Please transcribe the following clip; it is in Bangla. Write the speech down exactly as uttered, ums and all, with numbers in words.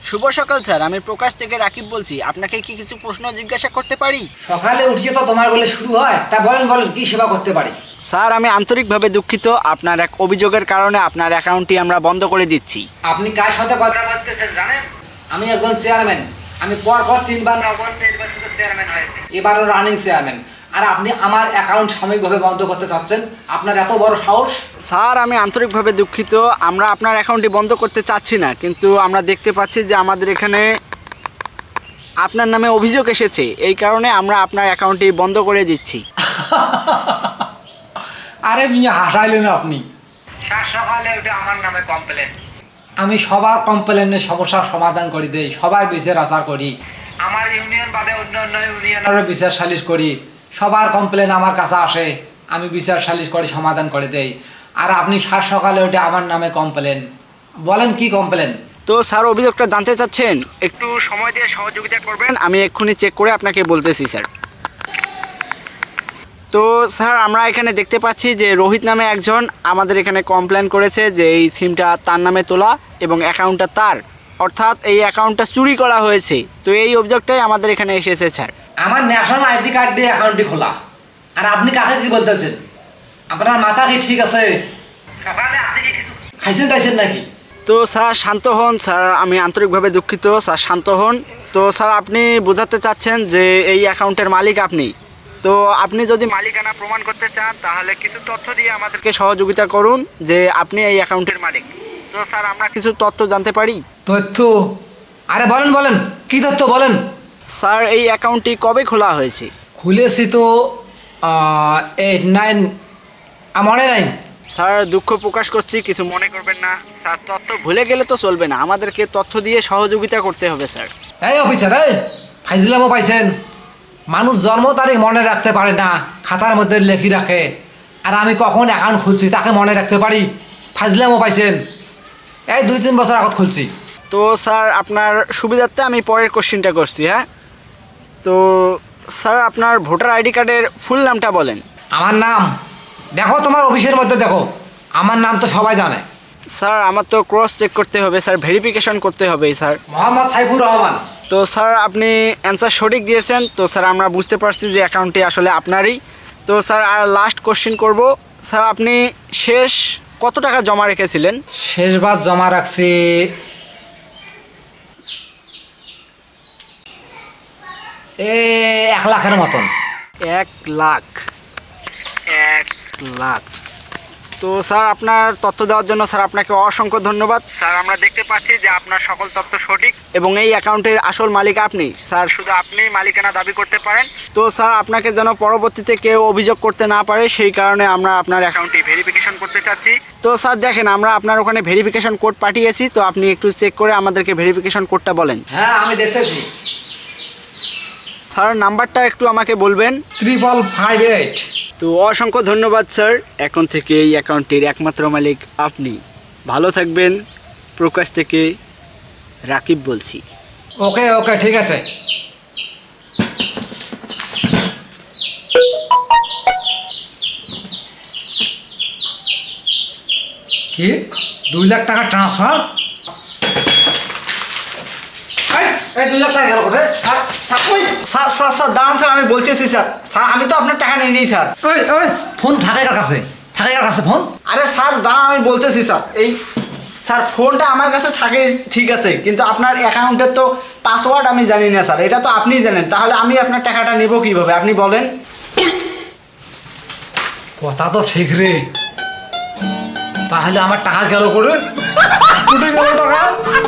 শুভ সকাল স্যার, আমি প্রকাশ থেকে রাকিব বলছি। আপনাকে কি কিছু প্রশ্ন জিজ্ঞাসা করতে পারি? সকালে উঠিয়ে তো তোমার বলে শুরু হয়, তা বলেন বলেন কি সেবা করতে পারি? স্যার, আমি আন্তরিকভাবে দুঃখিত, আপনার এক অভিযোগের কারণে আপনার অ্যাকাউন্টটি আমরা বন্ধ করে দিচ্ছি। আপনি কার সাথে কথা বলতেছেন জানেন? আমি একজন চেয়ারম্যান, আমি পর পর তিনবার চেয়ারম্যান হয়েছি, এবারও রানিং চেয়ারম্যান, আর আপনি আমার অ্যাকাউন্ট সাময়িকভাবে বন্ধ করতে চাচ্ছেন? আপনার এত বড় সাহস! স্যার, আমি আন্তরিকভাবে দুঃখিত, আমরা আপনার অ্যাকাউন্টটি বন্ধ করতে চাচ্ছি না, কিন্তু আমরা দেখতে পাচ্ছি যে আমাদের এখানে আপনার নামে অভিযোগ এসেছে, এই কারণে আমরা আপনার অ্যাকাউন্টটি বন্ধ করে দিচ্ছি। আরে মিয়া, হাসাইলেন আপনি। সকালে ওটা আমার নামে কমপ্লেন। আমি সবার কমপ্লেনের সমস্যার সমাধান করে দেই, সবার বিচার আচার করি, আমার ইউনিয়ন বাদে অন্য অন্য ইউনিয়ন আরও বিচার সালিশ করি, সবার কমপ্লেন আমার কাছে আসে, আমি বিচার সালিশ করে সমাধান করে দেই। আর আপনি সাত সকালে ওটা আমার নামে কমপ্লেন, বলেন কি কমপ্লেন? তো স্যার, অভিযোগটা জানতে চাচ্ছেন? একটু একটু সময় দিয়ে সহযোগিতা করবেন। আমি এক্ষুনি চেক করে আপনাকে বলতেছি স্যার। তো স্যার, আমরা এখানে দেখতে পাচ্ছি যে রোহিত নামে একজন আমাদের এখানে কমপ্লেন করেছে যে এই সিমটা তার নামে তোলা এবং অ্যাকাউন্টটা তার, অর্থাৎ এই অ্যাকাউন্টটা চুরি করা হয়েছে। তো এই অভিযোগটাই আমাদের এখানে এসেছে স্যার। আমার ন্যাশনাল আইডি কার্ড দিয়ে অ্যাকাউন্টটি খোলা, আর আপনি কাকে কি বলতেছেন? আপনার মাথা কি ঠিক আছে? সকালে আপনি কি কিছু খাইছেন টাইছেন নাকি? তো স্যার শান্ত হন স্যার, আমি আন্তরিকভাবে দুঃখিত স্যার, শান্ত হন। তো স্যার, আপনি বোঝাতে চাচ্ছেন যে এই অ্যাকাউন্টের মালিক আপনি, তো আপনি যদি মালিকানা প্রমাণ করতে চান তাহলে কিছু তথ্য দিয়ে আমাদেরকে মালিককে সহযোগিতা করুন যে আপনি এই অ্যাকাউন্টের মালিক। তো স্যার, আমরা কিছু তথ্য জানতে পারি? তথ্য? আরে বলেন বলেন, কি তথ্য বলেন? স্যার, এই অ্যাকাউন্টটি কবে খোলা হয়েছে? খুলেছি তো এইট নাইন, মনে নাই। স্যার, দুঃখ প্রকাশ করছি, কিছু মনে করবেন না স্যার, তথ্য ভুলে গেলে তো চলবে না, আমাদেরকে তথ্য দিয়ে সহযোগিতা করতে হবে স্যার। এই অফিসার, এই ফাইজলামও পাইছেন? মানুষ জন্ম তারিখ মনে রাখতে পারে না, খাতার মধ্যে লেখি রাখে, আর আমি কখন অ্যাকাউন্ট খুলছি তাকে মনে রাখতে পারি? ফাইজলামও পাইছেন? এই দুই তিন বছর আগত খুলছি। তো স্যার, আপনার সুবিধার্থে আমি পরের কোশ্চেনটা করছি। হ্যাঁ, তো স্যার, আপনার ভোটার আইডি কার্ডের ফুল নামটা বলেন। আমার নাম দেখো, তোমার অফিসের মধ্যে দেখো, আমার নাম তো সবাই জানে। স্যার, আমার তো ক্রস চেক করতে হবে স্যার, ভেরিফিকেশন করতে হবে স্যার। মোহাম্মদ সাইফুর রহমান। তো স্যার, আপনি অ্যান্সার সঠিক দিয়েছেন। তো স্যার, আমরা বুঝতে পারছি যে অ্যাকাউন্টটি আসলে আপনারই। তো স্যার, আর লাস্ট কোশ্চেন করব স্যার, আপনি শেষ কত টাকা জমা রেখেছিলেন? শেষবার জমা রাখছি এ এক লাখের মতন। এক লাখ এক লাখ তো স্যার, আপনার তথ্য দেওয়ার জন্য স্যার আপনাকে অসংখ্য ধন্যবাদ স্যার, আমরা দেখতে পাচ্ছি যে আপনার সকল তথ্য সঠিক এবং এই অ্যাকাউন্টের আসল মালিক আপনি স্যার। শুধু আপনি মালিকানা দাবি করতে পারেন। তো স্যার, আপনাকে যেন পরবর্তীতে কেউ অভিযোগ করতে না পারে সেই কারণে আমরা আপনার অ্যাকাউন্ট অ্যাকাউন্টটি ভেরিফিকেশন করতে চাচ্ছি। তো স্যার দেখেন, আমরা আপনার ওখানে ভেরিফিকেশন কোড পাঠিয়েছি, তো আপনি একটু চেক করে আমাদেরকে ভেরিফিকেশন কোডটা বলেন। হ্যাঁ, আমি দেখতেছি। স্যার, নাম্বারটা একটু আমাকে বলবেন। Triple five eight. তো অসংখ্য ধন্যবাদ স্যার, এখন থেকে এই অ্যাকাউন্টের একমাত্র মালিক আপনি। ভালো থাকবেন। প্রকাশ থেকে রাকিব বলছি। ওকে ওকে, ঠিক আছে। কি দুই লাখ টাকা ট্রান্সফার? এই দুই লাখ টাকা গেল কোথায়? স্যার স্যার ওই স্যার স্যার স্যার দাঁড়ান স্যার, আমি বলতেছি স্যার। স্যার, আমি তো আপনার টাকা নিয়ে নিই স্যার। ওই ওই ফোন থাকে কার কাছে? থাকে কার কাছে ফোন? আরে স্যার দাঁড়ান, আমি বলতেছি স্যার। এই স্যার, ফোনটা আমার কাছে থাকে ঠিক আছে, কিন্তু আপনার অ্যাকাউন্টের তো পাসওয়ার্ড আমি জানি না স্যার, এটা তো আপনিই জানেন, তাহলে আমি আপনার টাকাটা নেব কীভাবে আপনি বলেন? কথা তো ঠিক রে, তাহলে আমার টাকা গেল করে? গেল টাকা।